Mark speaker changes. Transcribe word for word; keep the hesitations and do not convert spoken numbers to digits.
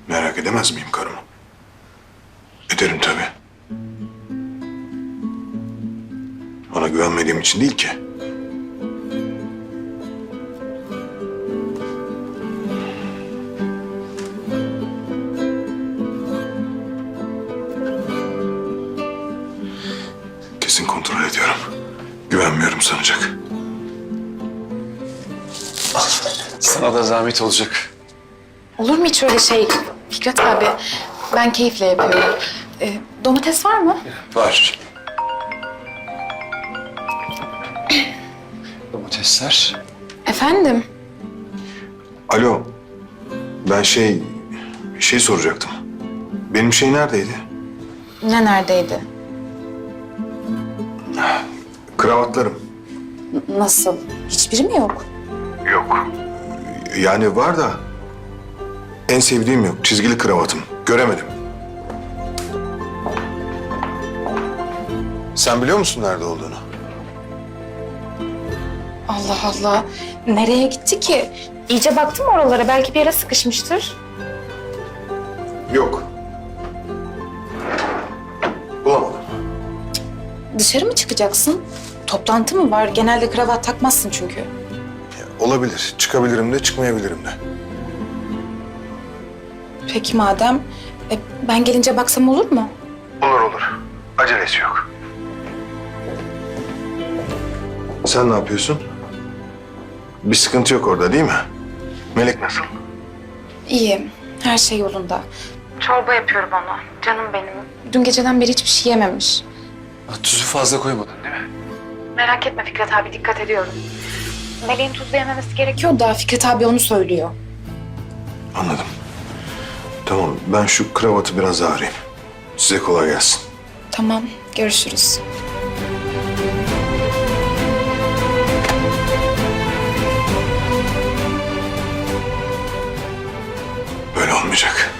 Speaker 1: Merak edemez miyim karımı? Ederim tabii. Ona güvenmediğim için değil ki. Kesin kontrol ediyorum. Güvenmiyorum sanacak.
Speaker 2: Sana da zahmet olacak.
Speaker 3: Olur mu hiç öyle şey Fikret abi? Ben keyifle yapıyorum. Ee, domates var mı?
Speaker 2: Var. Domatesler.
Speaker 3: Efendim?
Speaker 1: Alo. Ben şey... şey soracaktım. Benim şey neredeydi?
Speaker 3: Ne neredeydi?
Speaker 1: Kravatlarım.
Speaker 3: N- nasıl? Hiçbiri mi yok?
Speaker 1: Yok. Yani var da... en sevdiğim yok. Çizgili kravatım. Göremedim. Sen biliyor musun nerede olduğunu?
Speaker 3: Allah Allah. Nereye gitti ki? İyice baktım oralara. Belki bir yere sıkışmıştır.
Speaker 1: Yok. Bulamadım.
Speaker 3: Dışarı mı çıkacaksın? Toplantı mı var? Genelde kravat takmazsın çünkü.
Speaker 1: Olabilir. Çıkabilirim de çıkmayabilirim de.
Speaker 3: Peki madem. E, ben gelince baksam olur mu?
Speaker 1: Olur olur. Acelesi yok. Sen ne yapıyorsun? Bir sıkıntı yok orada değil mi? Melek nasıl?
Speaker 3: İyi. Her şey yolunda. Çorba yapıyorum ona. Canım benim. Dün geceden beri hiçbir şey yememiş.
Speaker 2: Ha, tuzu fazla koymadın değil mi?
Speaker 3: Merak etme Fikret abi, dikkat ediyorum. Meleğin tuzlu yememesi gerekiyor da Fikret abi onu söylüyor.
Speaker 1: Anladım. Tamam, ben şu kravatı biraz ağrıyayım. Size kolay gelsin.
Speaker 3: Tamam, görüşürüz.
Speaker 1: Böyle olmayacak.